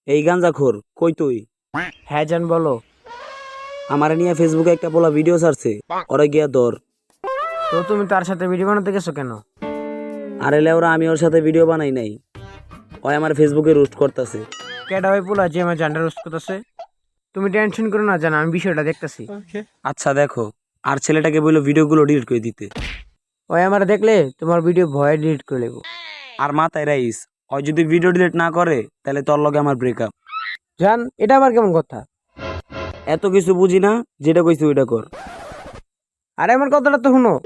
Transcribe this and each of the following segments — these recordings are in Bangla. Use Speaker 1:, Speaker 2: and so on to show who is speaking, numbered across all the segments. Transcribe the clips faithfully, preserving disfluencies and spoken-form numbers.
Speaker 1: এই গাঞ্জাখোর কই তুই?
Speaker 2: হ্যাঁ জান বলো।
Speaker 1: আমারে নিয়ে ফেসবুকে একটা বলা ভিডিও ছাড়ছে, ওরে গিয়া ধর।
Speaker 2: তো তুমি তার সাথে ভিডিও বানাতে গেছো কেন?
Speaker 1: আরে লেওরা, আমি ওর সাথে ভিডিও বানাই নাই, ওই আমার ফেসবুকে রোস্ট করতেছে।
Speaker 2: কেডা ভাই পোলা যে আমার জানটা রোস্ট করতেছে? তুমি টেনশন করো না জান, আমি বিষয়টা দেখতেছি।
Speaker 1: আচ্ছা দেখো, আর ছেলেটাকে বললো ভিডিওগুলো ডিলিট করে দিতে।
Speaker 2: ওই আমার দেখলে তোমার ভিডিও ভয়ে ডিলিট করে নেবো।
Speaker 1: আর মাথায় রাইস, ওই যদি ভিডিও ডিলিট না করে তাহলে তোর লগে আমার ব্রেকআপ।
Speaker 2: জান এটা আবার কেমন কথা?
Speaker 1: এত কিছু বুঝি না, যেটা কইছি ওইটা কর।
Speaker 2: আরে আমার কথাটা তো শুনো।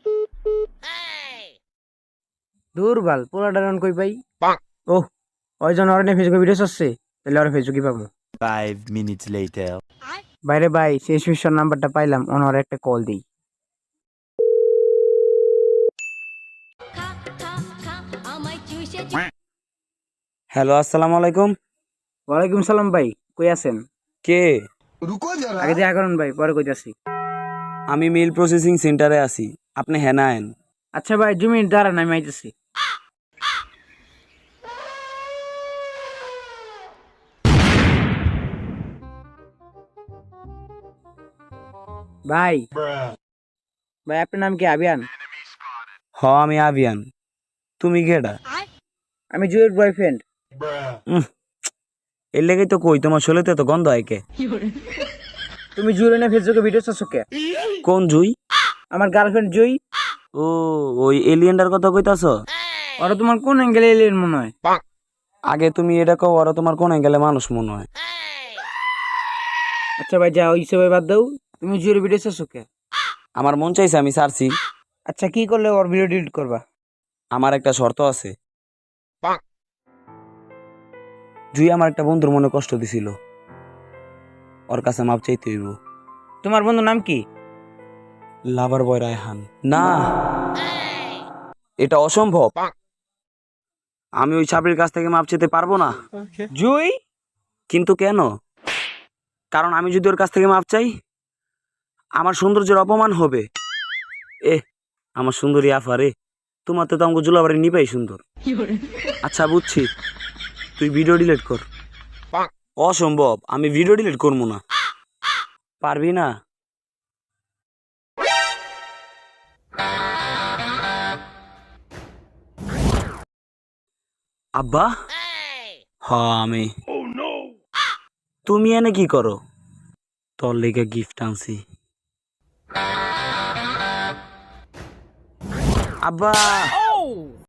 Speaker 2: দুর্বল পোলাটা রান কই পাই। ওহ, ওই জন ওর ফেসবুকে ভিডিও আসছে, তাহলে ওর ফেসবুকে পাবো।
Speaker 3: Five minutes later.
Speaker 2: বাইরে ভাই শেষ মিশন নাম্বারটা পাইলাম, ওনার একটা কল দিই।
Speaker 1: হ্যালো, আসসালামু আলাইকুম।
Speaker 2: ওয়ালাইকুম সালাম ভাই, কই আছেন?
Speaker 1: কে?
Speaker 2: আগে দেখা করুন ভাই, পরে কইতাছি।
Speaker 1: আমি মিল প্রসেসিং সেন্টারে আছি, আপনি হ্যাঁ না আইন।
Speaker 2: আচ্ছা ভাই দু মিনিট দাঁড়ান, আমি আইতেছি। ভাই ভাই আপনার নাম কি আবিয়ান?
Speaker 1: হ, আমি আবিয়ান। তুমি কেডা?
Speaker 2: আমি জুয়ের বয়ফ্রেন্ড।
Speaker 1: এর লেগেই তো কই, তোমার শোলেতে তো গন্ধ হয় কে?
Speaker 2: তুমি জুয়ের না ফেসবুকে ভিডিও চাচ্ছো কে?
Speaker 1: কোন জুই?
Speaker 2: আমার গার্লফ্রেন্ড জুই।
Speaker 1: ও, ওই এলিয়েনটার কথা কইতাছ?
Speaker 2: ওরা তোমার কোন অ্যাঙ্গেলে এলিয়েন মনে হয়?
Speaker 1: আগে তুমি এটা কও, ওরা তোমার কোন গেলে মানুষ মনে হয়?
Speaker 2: আচ্ছা ভাই যা হইছে ভাই, বাদ দাও। তুমি জুয়ের ভিডিও চাচ্ছো কে?
Speaker 1: আমার মন চাইছে, আমি সারছি।
Speaker 2: আচ্ছা কি করলে ওর ভিডিও ডিলিট করবা?
Speaker 1: আমার একটা শর্ত আছে। জুই আমার একটা বন্ধুর মনে কষ্ট দিছিল, ওর কাছে মাপ চাইতে হইব।
Speaker 2: তোমার বন্ধুর নাম কি?
Speaker 1: লাভার বয় রায়হান। না, এটা অসম্ভব। আমি ওই ছাপড়ির কাছ থেকে মাপ চাইতে পারবো না।
Speaker 2: জুই?
Speaker 1: কিন্তু কেন? কারণ আমি যদি ওর কাছ থেকে মাপ চাই, আমার সৌন্দর্যের অপমান হবে। এ আমার সুন্দরী আফারে, তোমার তো আমাকে জুলাবাড়ি নিপাই সুন্দর। আচ্ছা বুঝছি, তুই ভিডিও ডিলিট কর। অসম্ভব, আমি ভিডিও ডিলিট করবো না। পারবি না? আব্বা, হ আমি। তুমি এনে কি করো? তোর লেগে গিফট আনছি। আব্বা।